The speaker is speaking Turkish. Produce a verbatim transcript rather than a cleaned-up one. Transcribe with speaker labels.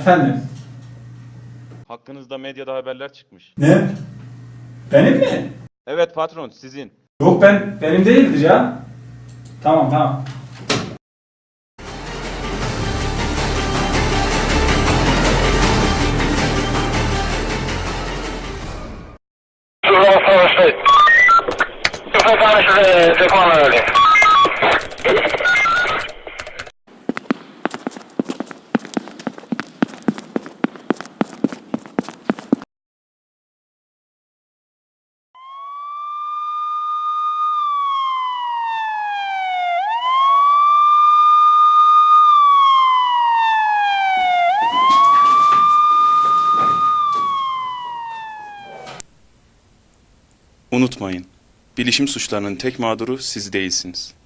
Speaker 1: Efendim?
Speaker 2: Hakkınızda medyada haberler çıkmış.
Speaker 1: Ne? Benim mi?
Speaker 2: Evet patron, sizin.
Speaker 1: Yok ben, benim değildir ya. Tamam tamam.
Speaker 3: Unutmayın, bilişim suçlarının tek mağduru siz değilsiniz.